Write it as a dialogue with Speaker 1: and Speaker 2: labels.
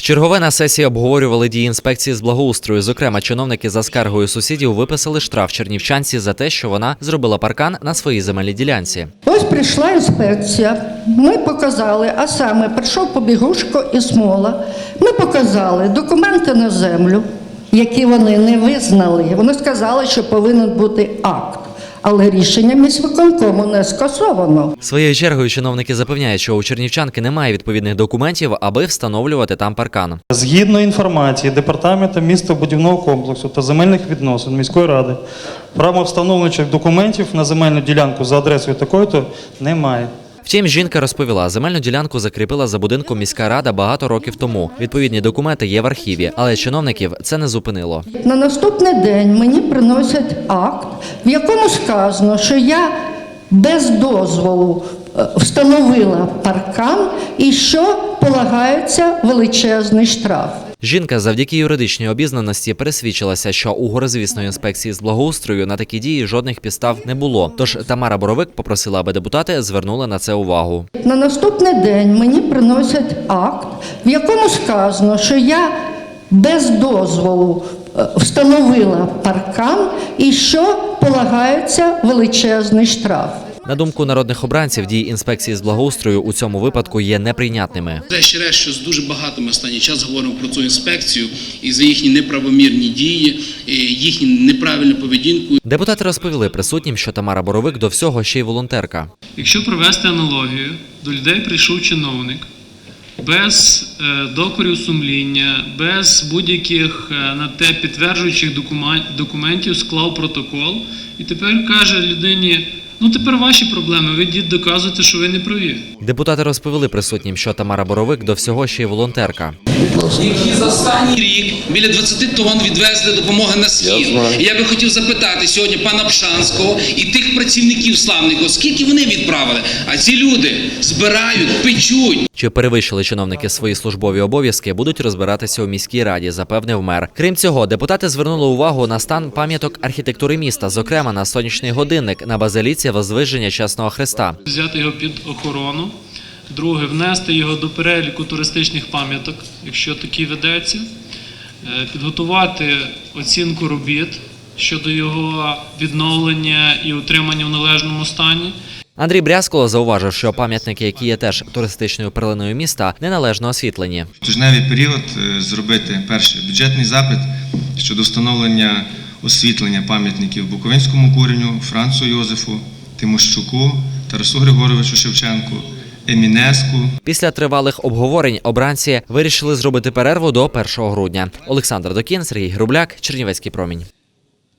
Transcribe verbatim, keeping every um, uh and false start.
Speaker 1: Вчергове на сесії обговорювали дії інспекції з благоустрою. Зокрема, чиновники за скаргою сусідів виписали штраф чернівчанці за те, що вона зробила паркан на своїй земельній ділянці.
Speaker 2: Ось прийшла інспекція, ми показали, а саме прийшов Побігушко і Смола. Ми показали документи на землю, які вони не визнали. Вони сказали, що повинен бути акт. Але рішення міськвиконкому не скасовано.
Speaker 1: Своєю чергою чиновники запевняють, що у чернівчанки немає відповідних документів, аби встановлювати там паркан.
Speaker 3: Згідно інформації Департаменту містобудівного комплексу та земельних відносин міської ради, правовстановлюючих документів на земельну ділянку за адресою такою-то немає.
Speaker 1: Втім, жінка розповіла, земельну ділянку закріпила за будинком міська рада багато років тому. Відповідні документи є в архіві, але чиновників це не зупинило.
Speaker 2: На наступний день мені приносять акт, в якому сказано, що я без дозволу встановила паркан і що полагається величезний штраф.
Speaker 1: Жінка завдяки юридичній обізнаності пересвідчилася, що у горизвісної інспекції з благоустрою на такі дії жодних підстав не було. Тож Тамара Боровик попросила, аби депутати звернули на це увагу.
Speaker 2: На наступний день мені приносять акт, в якому сказано, що я без дозволу встановила паркан і що полагається величезний штраф.
Speaker 1: На думку народних обранців, дії інспекції з благоустрою у цьому випадку є неприйнятними.
Speaker 4: Врешті-решт, що дуже багато ми останній час говоримо про цю інспекцію і за їхні неправомірні дії, їхню неправильну поведінку.
Speaker 1: Депутати розповіли присутнім, що Тамара Боровик до всього ще й волонтерка.
Speaker 5: Якщо провести аналогію, до людей прийшов чиновник без докорів сумління, без будь-яких на те підтверджуючих документів склав протокол і тепер каже людині: ну тепер ваші проблеми, ви йдіть доказуєте, що ви не праві.
Speaker 1: Депутати розповіли присутнім, що Тамара Боровик до всього ще й волонтерка.
Speaker 4: Які за останній рік біля двадцяти тонн відвезли допомоги на схід. І я би хотів запитати сьогодні пана Пшанського і тих працівників славних, скільки вони відправили, а ці люди збирають, печуть.
Speaker 1: Чи перевищили чиновники свої службові обов'язки, будуть розбиратися у міській раді, запевнив мер. Крім цього, депутати звернули увагу на стан пам'яток архітектури міста, зокрема на сонячний годинник на базиліці Возвиження Чесного Христа.
Speaker 5: Взяти його під охорону. Друге, внести його до переліку туристичних пам'яток, якщо такий ведеться. Підготувати оцінку робіт щодо його відновлення і утримання в належному стані.
Speaker 1: Андрій Брязкало зауважив, що пам'ятники, які є теж туристичною перлиною міста, неналежно освітлені.
Speaker 6: В тижневий період зробити перший бюджетний запит щодо встановлення освітлення пам'ятників Буковинському куреню, Францу Йозефу, Тимощуку, Тарасу Григоровичу Шевченку, Емінеску.
Speaker 1: Після тривалих обговорень обранці вирішили зробити перерву до першого грудня. Олександр Докін, Сергій Грубляк, Чернівецький промінь.